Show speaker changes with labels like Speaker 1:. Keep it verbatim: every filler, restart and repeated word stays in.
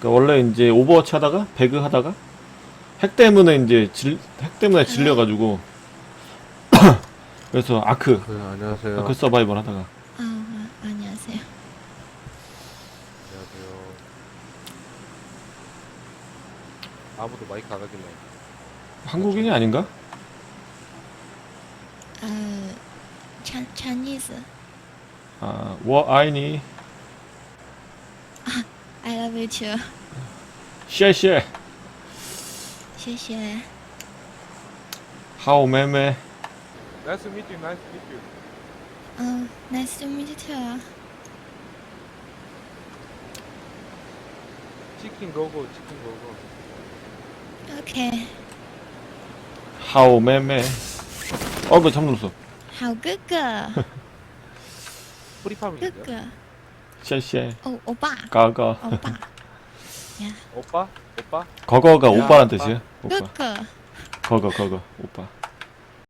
Speaker 1: 그러니까 원래 이제 오버워치 하다가 배그 하다가 핵 때문에 이제 질, 핵 때문에 질려가지고 그래서 아크
Speaker 2: 그, 안녕하세요.
Speaker 1: 아크 서바이벌 하다가
Speaker 3: 아, 아 안녕하세요.
Speaker 2: 안녕하세요. 아무도 마이크 안 하길래.
Speaker 1: 한국인이 아닌가?
Speaker 3: 어, 찬 Chinese.
Speaker 1: 아, 워 아이니
Speaker 3: I love you too.
Speaker 1: 谢谢
Speaker 3: 谢谢。
Speaker 1: 하오 매매
Speaker 2: Nice to meet you. Nice to meet you.
Speaker 3: 嗯 nice to meet you too.
Speaker 2: 치킨 고고, 치킨 고고.
Speaker 3: Okay.
Speaker 1: 하오 매매 어그 잠들었어
Speaker 3: 好哥哥，
Speaker 2: 프리팜인데요?
Speaker 3: 哥哥，
Speaker 1: 쉐쉐
Speaker 3: 哦，欧巴，
Speaker 1: 가가
Speaker 3: 欧巴，呀，
Speaker 2: 오빠? 오빠?
Speaker 1: 거거가
Speaker 2: 야,
Speaker 1: 오빠란
Speaker 2: 오빠.
Speaker 1: 뜻이야
Speaker 3: 哥
Speaker 1: 오빠
Speaker 3: 哥，
Speaker 1: 거거 거거 오빠